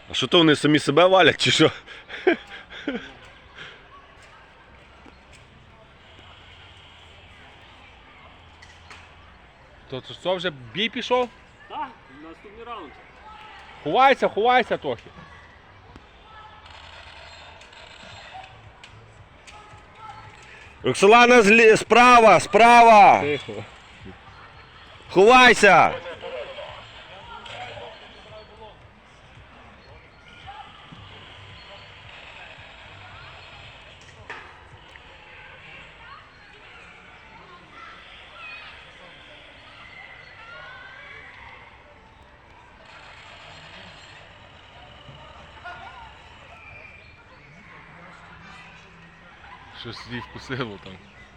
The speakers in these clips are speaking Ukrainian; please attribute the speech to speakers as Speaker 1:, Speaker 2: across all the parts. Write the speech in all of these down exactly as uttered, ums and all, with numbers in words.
Speaker 1: А що то вони самі себе валять, чи що?
Speaker 2: То це що, вже бій пішов?
Speaker 3: Так, наступний раунд.
Speaker 2: Ховайся, ховайся трохи.
Speaker 1: Роксолана злі... справа, справа!
Speaker 2: Тихо.
Speaker 1: Ховайся!
Speaker 2: Щось їй вкусило там.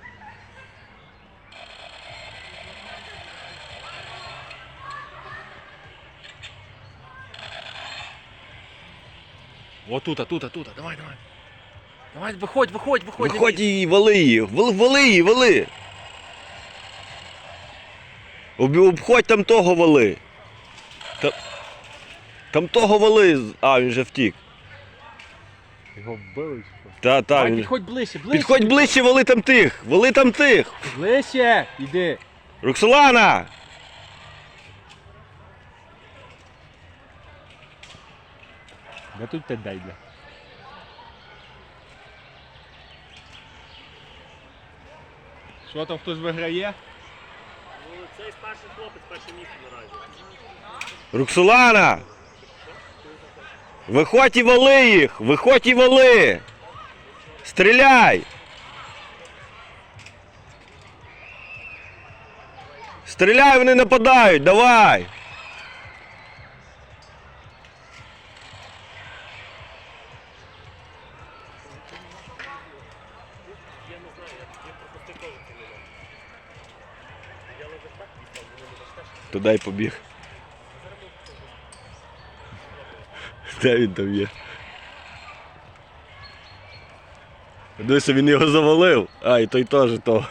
Speaker 2: О, тут, а тут, а тут, давай, давай. Давай, виходь, виходь, виходь.
Speaker 1: Виходь і вали її, вали, вали її, вали! Об- Обходь там того вали. Та... Там того вали. А, він вже втік.
Speaker 2: Його вбили чи що?
Speaker 1: Та, та,
Speaker 2: Давай,
Speaker 1: він...
Speaker 2: підходь ближче, ближче.
Speaker 1: Підходь ближче, вали там тих! Вали там тих!
Speaker 2: Ближче, іди.
Speaker 1: Роксолана!
Speaker 2: Де тут те дейля? Що там, хтось виграє?
Speaker 3: Ну, цей старший хлопець перше місце наразі.
Speaker 1: Роксолана! Виходь і вали їх! Виходь і вали! Стріляй! Стріляй, вони нападають, давай!
Speaker 3: Я не знаю, я, я пропустив теж цей момент. Я лише так дістав, вони не бачите.
Speaker 1: Туди й побіг. Де він там є? Дивися, він його завалив. А, і той теж то.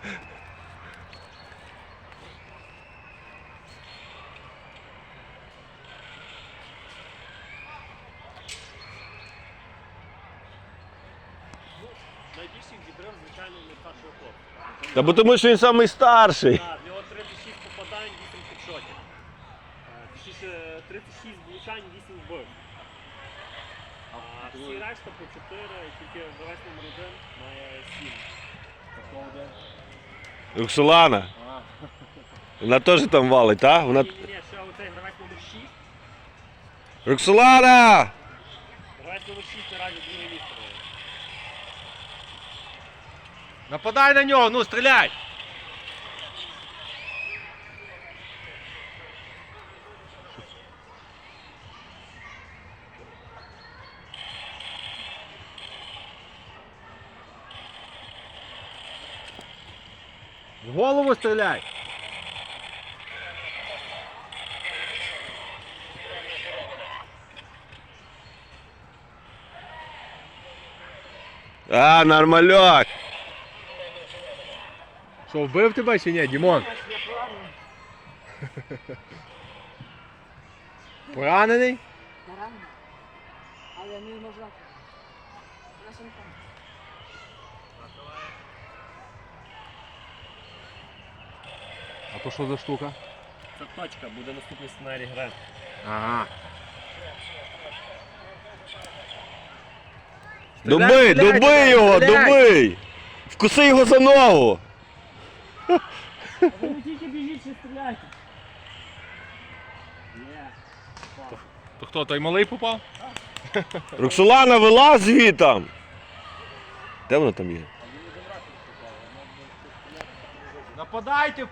Speaker 3: Найбільший відрив, звичайно, не старшого хлопця.
Speaker 1: Та бо тому що він самий старший.
Speaker 3: Так, в нього тридцять шість попадань, вісім хедшотів. Е, Точніше, тридцять шість влучань, вісім вбив. А всі решта по чотири, і тільки гравець номер один має сім.
Speaker 1: Роксолана. Вона теж там валить, так? Вона...
Speaker 3: Ні, ні, ні, ще оцей гравець номер шість.
Speaker 1: Роксолана!
Speaker 3: Гравець номер шість наразі друге місце.
Speaker 2: Нападай на нього, ну стріляй! В голову стріляй!
Speaker 1: А, нормальок!
Speaker 2: Що, вбив тебе чи ні, Дімон? Поранений?
Speaker 4: Рано. Але не можна. На сумку.
Speaker 2: А то що за штука?
Speaker 3: Це точка, буде наступний сценарій гри.
Speaker 2: Ага.
Speaker 1: Дуби,
Speaker 2: Стріляй,
Speaker 1: дуби
Speaker 2: стріляй,
Speaker 1: його,
Speaker 2: стріляй!
Speaker 1: дуби! Вкуси його за ногу!
Speaker 3: Ви не тільки біжіть, ще стріляйте. Є.
Speaker 2: То хто, той малий попав?
Speaker 1: Роксолана, вилазь звітам! Де вона там є?
Speaker 2: Нападайте!